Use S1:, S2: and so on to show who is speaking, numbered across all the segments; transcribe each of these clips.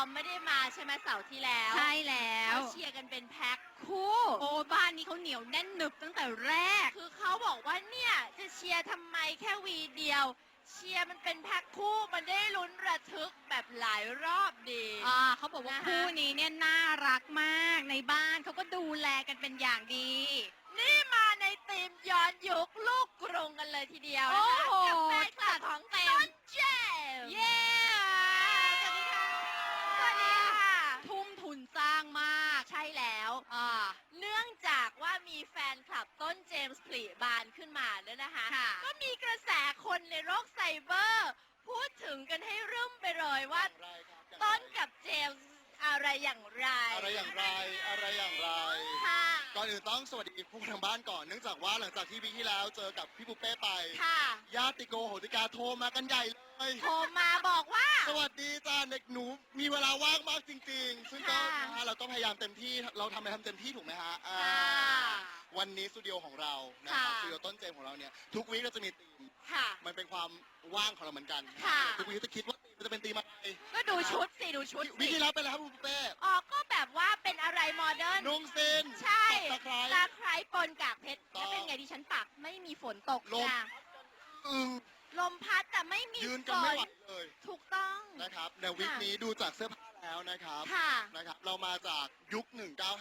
S1: มไม่ได้มาใช่ไหมเสาร์ที่แล้ว
S2: ใช่แล้ว
S1: เขาเชียร์กันเป็นแพ็คคู่
S2: โอ้บ้านนี้เขาเหนียวแน่นหนึบตั้งแต่แรก
S1: คือเขาบอกว่าเนี่ยจะเชียร์ทำไมแค่วีเดียว เชียร์มันเป็นแพ็คคู่มันได้ลุ้นระทึกแบบหลายรอบดี
S2: เขาบอกว่า
S1: นะคะ
S2: คู่นี้เนี่ยน่ารักมากในบ้านเขาก็ดูแลกันเป็นอย่างดี
S1: นี่มาในธีมย้อนยุคลูกกรุงกันเลยทีเดียวนะคะ
S2: โอ้โห
S1: กับแฟนคลับของ
S2: เต็ม
S1: ต้นเจมส์
S2: เย้
S1: สวัสดีค่ะสวัสดีค่ะ
S2: ทุ่มทุนสร้างมาก
S1: ใช่แล้ว เนื่องจากว่ามีแฟนคลับต้นเจมส์ผลิบานขึ้นมาแล้วนะคะ
S2: ค่ะ
S1: ก็มีกระแสคนในโลกไซเบอร์ พูดถึงกันให้รื่มไปเลยว่า ต้นกับเจมส์อะไรอย่างไร
S3: อะไรอย่างไรอะไรอย่างไร
S1: ค่ะ
S3: ก่อนอื่นต้องสวัสดีผู้ทางบ้านก่อนเนื่องจากว่าหลังจากที่วิกที่แล้วเจอกับพี่ปุเป้ไป
S1: ค่ะ
S3: ญาติโกโหติกาโทรมากันใหญ่เลย
S1: โทรมาบอกว่า
S3: สวัสดีจ้าเด็กหนูมีเวลาว่างมากจริง ๆ ซึ่งก็
S1: ค่ะ
S3: นะฮะเราก็พยายามเต็มที่เราทำอะไรทำเต็มที่ถูกไหมฮะ
S1: ค
S3: อ่า
S1: ่ะ
S3: วันนี้สตูดิโอของเรานะครับ
S1: ค่ะ
S3: สตูดิโอต้นเจมส์ของเราเนี่ยทุกวีคเราจะมีธีม
S1: ค่ะ
S3: มันเป็นความว่างของเราเหมือนกัน
S1: ค่ะ
S3: ทุกวีคจะคิดว่ามันจะเป็นธีมอะไร
S1: ก็ดูชุดสิดูชุด
S3: วีค
S1: สิ
S3: ที่แล้วเป็นอะไรครับคุณปุเป้
S1: อ๋อก็แบบว่าเป็นอะไรโมเดิร์น
S3: นุ่งซิน
S1: ใช่
S3: ตะไคร้
S1: ตาไคร้ปนกากเพชร
S3: ต่อ
S1: แล้วเป็นไงดิฉันปักไม่มีฝนตก
S3: ลม
S1: นะ
S3: อึง
S1: ลมพัดแต่ไม่มี
S3: ยืน
S1: ฝ
S3: กันไม่ไหว
S1: น
S3: เลย
S1: ถูกต้อง
S3: นะครับในวิกนี้ดูจากเสื้อผ้าแล้วนะครับ
S1: ค่ะ
S3: นะครับ เรามาจากยุค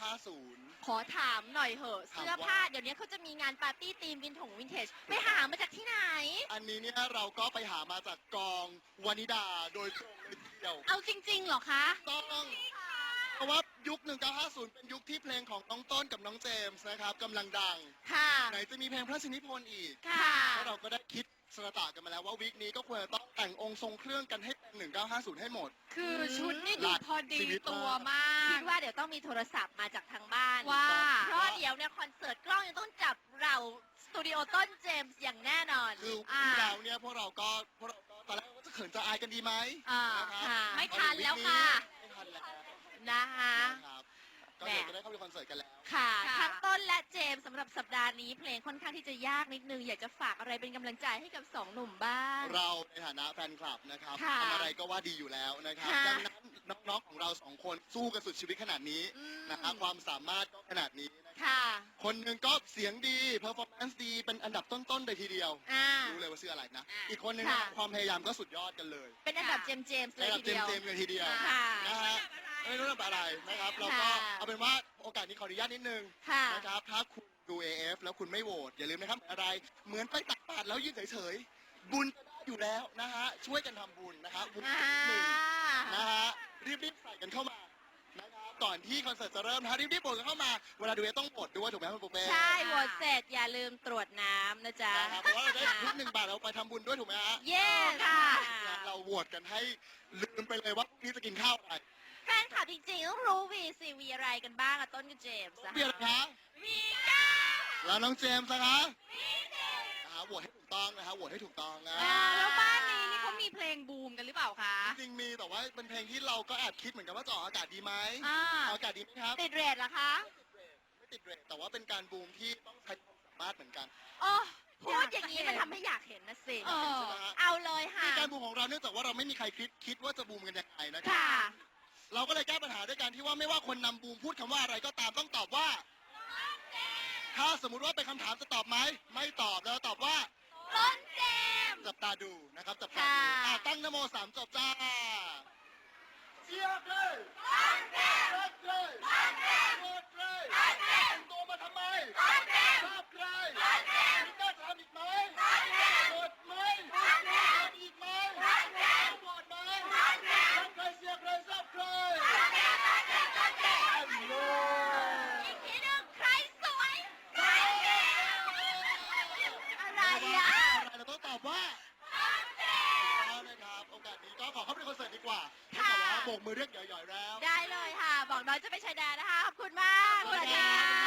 S3: 1950
S1: ขอถามหน่อยเหอะ
S3: ถามว่า
S1: เสื้อผ้าเดี๋ยวนี้เขาจะมีงานปาร์ตี้ธีมวินเทจไปหามาจากที่ไหน
S3: อันนี้เนี่ยเราก็ไปหามาจากกองวานิดาโดยตรงเลยทีเดียว
S2: เอาจริงๆเหรอคะ
S3: ต้องเพราะว่ายุค 1950 เป็นยุคที่เพลงของน้องต้นกับน้องเจมส์นะครับกำลังดัง
S1: ค่ะ
S3: ไหนจะมีเพลงพระราชนิพนธ์อีก
S1: ค่ะ
S3: แล้วเราก็ได้คิดสระตะกันมาแล้วว่าวีคนี้ก็ควรจะต้องแต่งองค์ทรงเครื่องกันให้เป็น 1950 ให้หมด
S2: คือชุดนี่ดูพอดี
S3: ชีวิตมาก
S2: ตัวมา
S1: คิ
S2: ก
S1: ดว่าเดี๋ยวต้องมีโทรศัพท์มาจากทางบ้าน
S2: ว่า
S1: เพราะเดี๋ยวเนี่ยคอนเสิร์ตกล้องยังต้องจับเราสตูดิโอต้นเจมส์อย่างแน่นอน
S3: คือที่เราเนี่ยพวกเราก็ตอนแรกว่าจะเขินจะอายกันดีไหม
S1: อ่า
S3: นะครับ
S1: ค่ะ
S2: ไม่ทันแล้วค่ะ
S3: ไม่ทันแล้ว
S1: นะคะ
S3: นะครับก็เดี๋ยวจะได้เข้าไปคอนเสิร์ตกันแล้ว
S1: ค่ะ
S2: ค่ะ
S1: ทั้งต้นและเจมส์สำหรับสัปดาห์นี้เพลงค่อนข้างที่จะยากนิดนึง อยากจะฝากอะไรเป็นกำลังใจให้กับสองหนุ่มบ้าง
S3: เราในฐานะแฟนคลับนะครับ
S1: ค่ะ
S3: ทำอะไรก็ว่าดีอยู่แล้วนะครับ
S1: ค่ะ
S3: ดังนั้นน้องๆของเราสองคนสู้กันสุดชีวิตขนาดนี้
S1: อืม
S3: นะครับความสามารถก็ขนาดนี้นะครับ
S1: ค่ะ
S3: คนหนึ่งก็เสียงดีเพอร์ฟอร์แมนซ์ดีเป็นอันดับต้นๆเลยทีเดียว
S1: อ่า
S3: รู้เลยว่าชื่ออะไรนะ
S2: อ่า
S3: อีกคนหนึง
S1: ค่ะ
S3: ความพยายามก็สุดยอดกันเลย
S1: เป็นอันดับเจมส์เลย
S3: ระดับ
S1: ทีเดียว
S3: เต็มๆเลยทีเดียว
S1: ค่ะ
S3: นะฮะไม่รู้เรื่องอะไรนะครับเราก็
S1: ค่ะ
S3: เอาเป็นว่าโอกาสนี้ขออนุญาตนิดนึง
S1: ค่ะ
S3: นะครับถ้าคุณดู AF แล้วคุณไม่โหวตอย่าลืมนะครับอะไรเหมือนไปตักบาตรแล้วยืนเฉยๆบุญก็ได้อยู่แล้วนะฮะช่วยกันทำบุญนะฮะบุญ
S1: อ่า
S3: หนึ่งนะฮะรีบๆใส่กันเข้ามานะครับก่อนที่คอนเสิร์ตจะเริ่มนะฮะรีบๆโหวตกันเข้ามาเวลาดูต้องโหวตด้วยถูกไหมครับคุณปุ๊กเป้
S1: ใช่โหวตเสร็จอย่าลืมตรวจน้ำนะจ๊ะ
S3: นะครับเพราะว่าเราได้ทุก1 บาทเราไปทำบุญด้วยถูกไหมฮะ
S1: เย้ค่ะ
S3: เราโหวตกันให้ลืมไปเลยว่าพรุ่งนี้จะกินข้าวอะไร
S1: แฟนคลับจริงๆต้องรู้ VCV อะไรกันบ้างอะต้นกับเจมส์อะ
S3: เบียร์นะคะ
S1: วีก้า
S3: แล้วน้องเจมส์นะคะโหวตให้ถูกต้องนะฮะโหวตให้ถูกต้องนะ
S2: แล้วบ้านนี้นี่เขามีเพลงบูมกันหรือเปล่าคะ
S3: จริงๆมีแต่ว่าเป็นเพลงที่เราก็แอบคิดเหมือนกันว่าจะออกอากาศดีไหม
S2: อ่า
S3: ออกอากาศดีไหมครับ
S1: ติดเรทเหรอคะ
S3: ไม่ติดเรทแต่ว่าเป็นการบูมที่ต้องใช้ความสามารถเหมือนกัน
S1: โอ้พูดอย่างนี้มันทำให้อยากเห็นนะสิ
S2: เออ
S3: ใช่ไหมฮะ
S1: เอาเลยค่ะ
S3: ในการบูมของเราเนื่องจากว่าเราไม่มีใครคิดว่าจะบูมกันยังไงนะครั
S1: ค่ะ
S3: เราก็เลยแก้ปัญหาด้วยการที่ว่าไม่ว่าคนนำบูมพูดคำว่าอะไรก็ตามต้องตอบว่า ถ้าสมมุติว่าเป็นคำถามจะตอบไหมไม่ตอบแล้วตอบว่า
S1: ต้นเจมส์
S3: จับตาดูนะครับจับตาดู
S1: ค่ะ
S3: ตั้งนโม3จบจ้าเชียร์เลย
S1: ต้นเจมส์
S3: รักเลย
S1: ต้นเจมส์
S3: โหวตเลย
S1: ต้นเจมส์
S3: แต่งตัวมาทำไม
S1: ต้นเจมส์
S3: ชอบใคร
S1: ต้นเจมส์
S3: มีกล้าทำอีกไหม
S1: ต้นเจมส์
S3: โหวตไหม
S1: ต้นเจมส์
S3: ทำอีกไหม
S1: ต้นเจมส์
S3: โหวตไหม
S1: ต้นเจมส์
S3: รักใครเชียร์ใครชอบใคร
S1: ต้นเจมส์ต้นเจมส์ต้นเจมส์
S3: ฮัลโหล
S1: อีกทีหนึ่งใครสวยต้นเจมส์อะไรอ่ะ
S3: อะไรเราต้องตอบว่า
S1: ต้นเจมส์
S3: เอาเลยครับโอกาสนี้ก็ขอเข้าไปในคอนเสิร์ตดีกว่า
S1: ค่ะ
S3: แต่ว่าโบกมือเรียกหย่อยๆแล้ว
S1: ได้เลยค่ะ บอกน้อยจะไปชายแดนนะคะ ขอบคุณมาก
S2: สวัสดีค่ะ